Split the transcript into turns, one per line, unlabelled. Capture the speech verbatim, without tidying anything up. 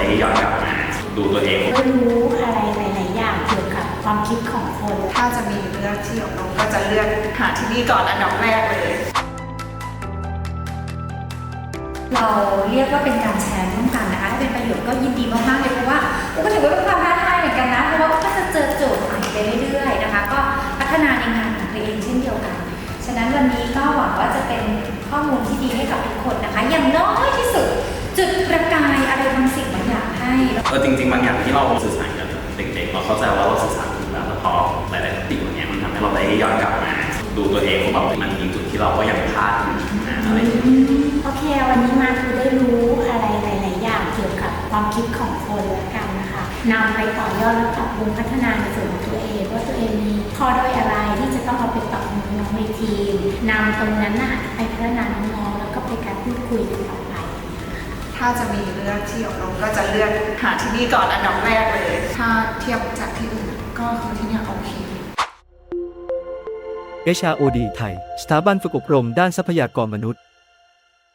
ย้อนกลับมาดูตัวเอง
ได้รู้อะไรหลายๆอย่างเกี่ยวกับความคิดของคน
ถ้าจะมีเลือกที่อบรมก็จะเลือกหาที่นี่ก่อนอันดับแรกเลย
เราเรียกว่าเป็นการแชร์ร่วมกันนะคะถ้าเป็นประโยชน์ก็ยินดีมากๆเลยเพราะว่าก็ถือว่าเป็นความท้าทายเหมือนกันนะเพราะว่าก็จะเจอโจทย์ใหม่ไปเรื่อยๆนะคะก็พัฒนาในงานของตัวเองเช่นเดียวกันฉะนั้นวันนี้ก็หวังว่าจะเป็นข้อมูลที่ดีให้กับทุกคนนะคะอย่างน้อยที่สุดจุดประกายอะไรบางสิ่งบางอย่างให้
เออจริงๆบางอย่างที่เราสื่อสารกับเด็กๆเราเข้าใจว่าเราสื่อสารถูกแล้วแต่พอหลายๆสิ่งอย่างเงี้ยมันทำให้เราได้ย้อนกลับมาดูตัวเองว่าแบบมันมีจุดที่เราก็ยังพลาดอยู่นะอะไรอย่างเงี้ย
โอเควันนี้มาคือได้รู้อะไรหลายๆอย่างเกี่ยวกับความคิดของคนแล้วกันนะคะนำไปต่อยอดและปรับปรุงพัฒนาในส่วนของตัวเองว่าตัวเองมีข้อด้อยอะไรที่จะต้องเอาไปปรับปรุงน้องในทีมนำตรงนั้นน่ะไปพัฒนาน้องๆแล้วก็ไปการพูดคุยกันต่อไป
ถ้าจะมีเลือกที่อบรมก็จะเลือกหาที่นี่ก่อนอันดับแรกเลยถ้าเทียบจากที่อื่นก็คือที่นี่โอเค
เอช อาร์ โอ ดี ไทย สถาบันฝึกอบรมด้านทรัพยากรมนุษย์